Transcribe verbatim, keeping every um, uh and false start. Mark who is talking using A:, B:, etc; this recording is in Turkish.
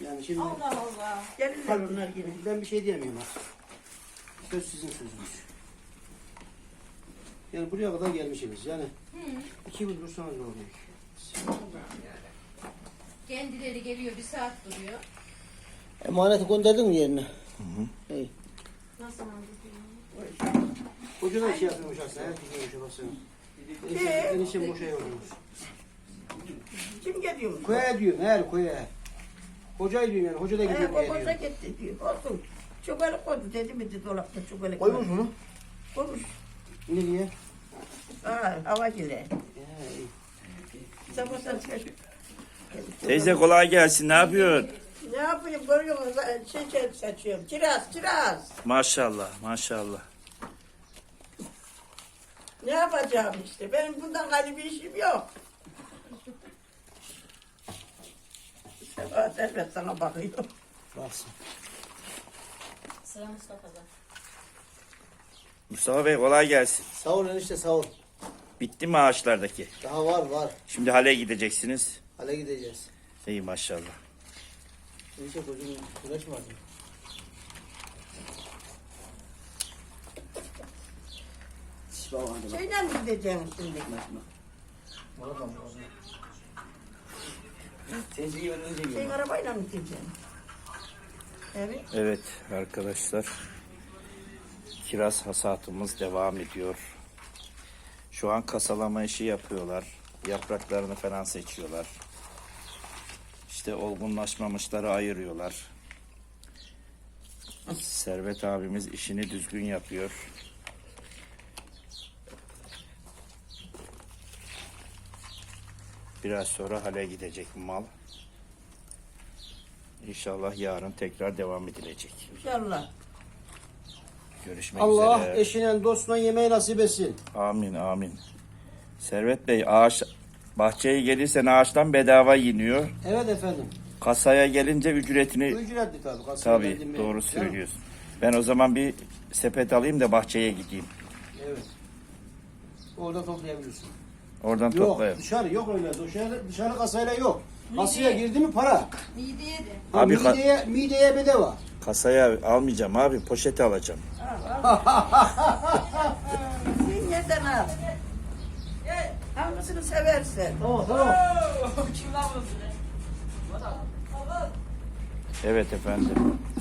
A: yani şimdi.
B: Allah Allah.
C: Gelirler onlar yine.
A: Ben bir şey diyemiyorum artık. Söz sizin sözünüz. Yani buraya kadar gelmişsiniz yani.
B: Hı.
A: İki gün dursanız ne oluyor?
B: Kendileri geliyor bir saat duruyor.
A: Emaneti gönderdin mi yerine? Hı hı. İyi.
B: Nasıl anladın?
A: Hoca da şey yapıyormuş aslında. Her gün hoca basıyor. Enişte boşa yorulmuş.
C: Kim geliyor?
A: Koya diyorum her koya. Hocayı diyorum yani. Hoca da gidiyor
C: Ee,
A: koya
C: o boşa
A: diyor.
C: gitti diyor. Olsun. Çuvalı koydu dedi mi de dolapta çuvalı
A: Koymuş mu?
C: Koymuş.
A: Nereye?
C: Aa, hava gile.
A: Ee, iyi.
C: Sabahtan çıkıyor.
D: Teyze kolay gelsin. Ne yapıyorsun?
C: Ne yapayım görüyor musun? Şey, şey saçıyorum. Kiraz, kiraz.
D: Maşallah, maşallah.
C: Ne yapacağım işte? Benim bundan gayrı bir işim yok. Sabah servet sana bakıyor.
A: Baksın.
B: Sıra Mustafa'da.
D: Mustafa Bey kolay gelsin.
A: Sağ ol enişte sağ ol.
D: Bitti mi ağaçlardaki?
A: Daha var var.
D: Şimdi hale gideceksiniz.
A: Hale gideceğiz.
D: İyi maşallah.
A: Enişte kocuğun güneş mi vardı?
C: Şeyden mi gideceğim şimdi? Şey arabayla mı gideceğim? Evet.
D: Evet arkadaşlar. Kiraz hasatımız devam ediyor. Şu an kasalama işi yapıyorlar. Yapraklarını falan seçiyorlar. İşte olgunlaşmamışları ayırıyorlar. Servet abimiz işini düzgün yapıyor. Biraz sonra hale gidecek mal. İnşallah yarın tekrar devam edilecek.
C: İnşallah.
D: Görüşmek
A: Allah
D: üzere.
A: eşine dostuna yemeği nasip etsin.
D: Amin amin. Servet Bey ağaç bahçeye gelirsen ağaçtan bedava yeniyor.
A: Evet efendim.
D: Kasaya gelince ücretini
A: Ücretli tabii. kasaya
D: tabii
A: geldim
D: doğru
A: ben.
D: söylüyorsun. Ben o zaman bir sepet alayım da bahçeye gideyim.
A: Evet. Orada toplayabilirsin.
D: Oradan
A: Yok
D: toplayayım.
A: dışarı yok öyle. Dışarı, dışarı kasayla yok. Kasaya girdi mi para.
B: Mideye de.
A: Ha,
D: Abi ka-
A: mideye, mideye bedava.
D: Kasaya almayacağım abi, poşete alacağım.
C: Sen yerden al. Hangisini seversen.
A: Tamam tamam.
D: Evet efendim.